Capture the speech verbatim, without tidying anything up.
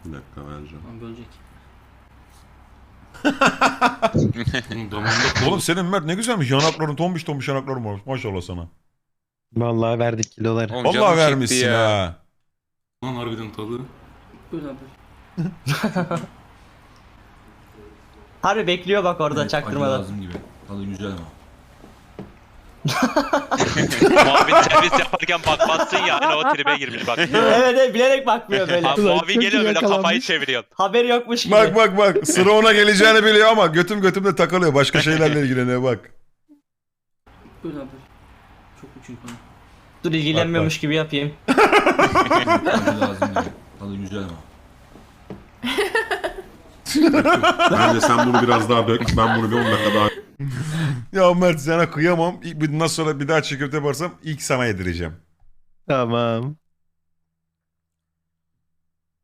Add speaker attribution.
Speaker 1: Bir dakika vereceğim.
Speaker 2: Lan bölecek.
Speaker 1: Oğlum damağımda
Speaker 3: Oğlum senin Mert ne güzelmiş. Yanakların tombiş tombiş yanakların var. Maşallah sana.
Speaker 4: Vallahi verdik kiloları.
Speaker 5: Oğlum
Speaker 3: Vallahi
Speaker 5: canım çekti
Speaker 3: vermişsin
Speaker 5: ya.
Speaker 3: ha.
Speaker 1: Lan harbiden tadı.
Speaker 2: Böl abi.
Speaker 6: Harbi bekliyor bak orada
Speaker 7: Evet, acı
Speaker 6: çaktırmadan.
Speaker 7: lazım gibi. Tadı güzel ama.
Speaker 8: Muavin servis yaparken bakmazsın ya. Hani o tribe girmiş bak.
Speaker 6: Evet evet bilerek bakmıyor böyle.
Speaker 8: Abi Muavin geliyor böyle kafayı çeviriyor.
Speaker 6: Haberi yokmuş gibi.
Speaker 3: Bak bak bak. Sıra ona geleceğini biliyor ama götüm götümde takılıyor. Başka şeylerle ilgileniyor bak.
Speaker 2: Böl abi. Çok çünkü onu.
Speaker 6: Dur ilgilenmiyormuş gibi yapayım.
Speaker 7: Acı lazım gibi. Tadı güzel ama.
Speaker 1: Bence sen bunu biraz daha dök. Ben bunu bir on dakika daha...
Speaker 3: Ya Mert sana kıyamam. İlk- Bundan sonra bir daha çiğ köfte yaparsam ilk sana yedireceğim.
Speaker 4: Tamam.